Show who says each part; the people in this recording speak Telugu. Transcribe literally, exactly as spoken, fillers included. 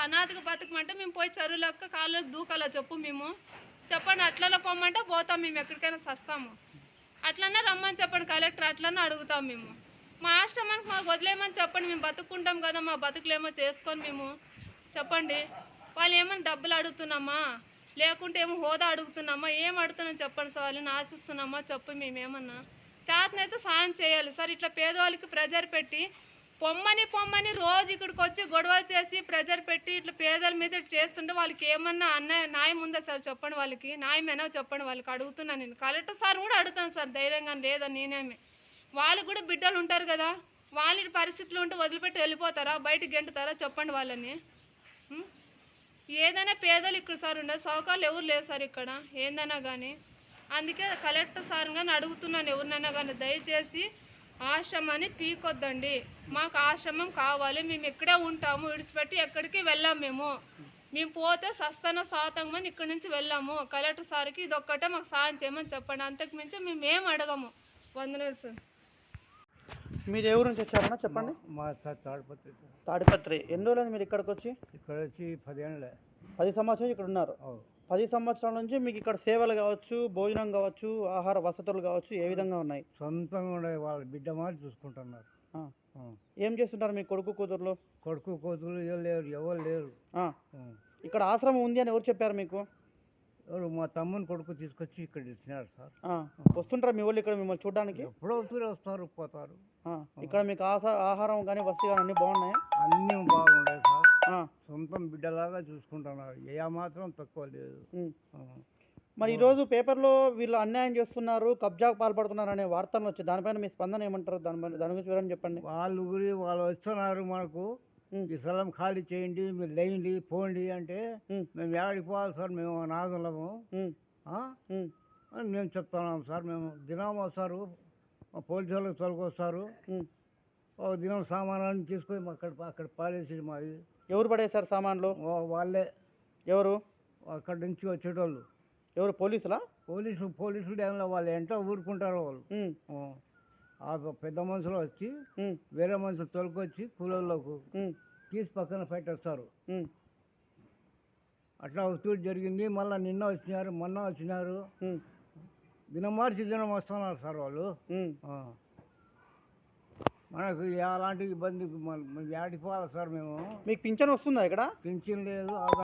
Speaker 1: అనాథగా బతకమంటే మేము పోయి చెరువులక్క కాళ్ళకి దూకాలో చెప్పు మేము చెప్పండి. అట్లనే పొమ్మంటే పోతాం మేము, ఎక్కడికైనా సస్తాము. అట్లనే రమ్మని చెప్పండి కలెక్టర్, అట్లనే అడుగుతాం మేము. మా ఆశ్రమానికి మాకు వదిలేమని చెప్పండి, మేము బతుక్కుంటాం కదా, మా బతుకులేమో చేసుకొని మేము చెప్పండి. వాళ్ళు ఏమన్నా డబ్బులు అడుగుతున్నామా, లేకుంటే ఏమో హోదా అడుగుతున్నామా, ఏం అడుగుతున్నాం చెప్పండి సార్. వాళ్ళని ఆశిస్తున్నామా చెప్పు. మేమేమన్నా చేతనైతే సాయం చేయాలి సార్. ఇట్లా పేదవాళ్ళకి ప్రెజర్ పెట్టి పొమ్మని పొమ్మని రోజు ఇక్కడికి వచ్చి గొడవలు చేసి ప్రెజర్ పెట్టి ఇట్లా పేదల మీద ఇట్లా చేస్తుంటే వాళ్ళకి ఏమన్నా అన్యాయం న్యాయం ఉందా సార్ చెప్పండి. వాళ్ళకి న్యాయమేనా చెప్పండి. వాళ్ళకి అడుగుతున్నాను నేను. కలెక్టర్ సార్ కూడా అడుగుతాను సార్, ధైర్యంగా లేదని నేనేమి. వాళ్ళకి కూడా బిడ్డలు ఉంటారు కదా, వాళ్ళ పరిస్థితులు ఉంటే వదిలిపెట్టి వెళ్ళిపోతారా, బయటకు గెంటుతారా చెప్పండి వాళ్ళని. ఏదైనా పేదలు ఇక్కడ సార్ ఉండదు, సౌకర్యాలు ఎవరు లేరు సార్ ఇక్కడ ఏందైనా కానీ. అందుకే కలెక్టర్ సార్ కానీ అడుగుతున్నాను ఎవరినైనా కానీ, దయచేసి ఆశ్రమాన్ని పీకొద్దండి. మాకు ఆశ్రమం కావాలి, మేము ఇక్కడే ఉంటాము, విడిచిపెట్టి ఎక్కడికి వెళ్ళాము. మేము మేము పోతే సస్తాన సాతంగమని ఇక్కడి నుంచి వెళ్ళాము. కలెక్టర్ సార్కి ఇది ఒక్కటే మాకు సాయం చేయమని చెప్పండి, అంతకు మించి మేము ఏం అడగము. వందనాలు సార్.
Speaker 2: మీరు ఎవరు నుంచి వచ్చారన్నా చెప్పండి.
Speaker 3: మా సార్ తాడిపత్రి.
Speaker 2: తాడిపత్రి. ఎన్ని రోజులు మీరు ఇక్కడికి వచ్చి?
Speaker 3: ఇక్కడ వచ్చి పదేళ్ళే.
Speaker 2: పది సంవత్సరాలు ఇక్కడ ఉన్నారు. పది సంవత్సరాల నుంచి మీకు ఇక్కడ సేవలు కావచ్చు, భోజనం కావచ్చు, ఆహార వసతులు కావచ్చు ఏ విధంగా ఉన్నాయి?
Speaker 3: సొంతంగా ఉండే వాళ్ళ బిడ్డ మారి చూసుకుంటున్నారు.
Speaker 2: ఏం చేస్తుంటారు మీ కొడుకు కూతుర్లు?
Speaker 3: కొడుకు కూతురు ఎవరు లేరు, ఎవరు లేరు.
Speaker 2: ఇక్కడ ఆశ్రమం ఉంది అని ఎవరు చెప్పారు మీకు?
Speaker 3: ఎవరు? మా తమ్ముని కొడుకు తీసుకొచ్చి ఇక్కడ ఇచ్చినారు సార్.
Speaker 2: వస్తుంటారా మీ వాళ్ళు ఇక్కడ మిమ్మల్ని చూడడానికి?
Speaker 3: ఎప్పుడో తూరే వస్తారు పోతారు.
Speaker 2: ఇక్కడ మీకు ఆహారం కానీ వసతి కానీ అన్నీ బాగున్నాయి?
Speaker 3: అన్నీ బాగున్నాయి సార్. సొంతం బిడ్డలాగా చూసుకుంటున్నారు, ఏ మాత్రం తక్కువ లేదు.
Speaker 2: మరి ఈరోజు పేపర్లో వీళ్ళు అన్యాయం చేస్తున్నారు, కబ్జాకు పాల్పడుతున్నారు అనే వార్తలు వచ్చాయి, దానిపైన మీ స్పందన ఏమంటారు? దాని దాని గురించి వివరం చెప్పండి.
Speaker 3: వాళ్ళు గురి వాళ్ళు వస్తున్నారు మనకు, ఈ స్థలం ఖాళీ చేయండి, మీరు లేయండి పోండి అంటే మేము ఏడికి పోవాలి సార్, మేము నాదులము అని మేము చెప్తున్నాం సార్. మేము దినం వస్తారు, పోలీసు వాళ్ళకి తొలగొస్తారు, ఒక దినం సామానాన్ని తీసుకొని అక్కడ అక్కడ పాడేసి మాది.
Speaker 2: ఎవరు పడేశారు సామాన్లు?
Speaker 3: వాళ్ళే.
Speaker 2: ఎవరు?
Speaker 3: అక్కడి నుంచి వచ్చేటోళ్ళు.
Speaker 2: ఎవరు? పోలీసులా?
Speaker 3: పోలీసులు పోలీసులు ఏమన్నా వాళ్ళు ఎంతో ఊరుకుంటారు వాళ్ళు. ఆ పెద్ద మనుషులు వచ్చి వేరే మనుషులు తొలగొచ్చి కూలీలకు తీసి పక్కన పెట్టేస్తారు. అట్లా వస్తూ జరిగింది. మళ్ళీ నిన్న వచ్చినారు, మొన్న వచ్చినారు, దినం మార్చి దినం వస్తున్నారు సార్ వాళ్ళు. మనకు ఎలాంటి ఇబ్బంది, ఏడికి పోవాలి సార్ మేము.
Speaker 2: మీకు పింఛన్ వస్తుందా ఇక్కడ?
Speaker 3: పింఛన్ లేదు.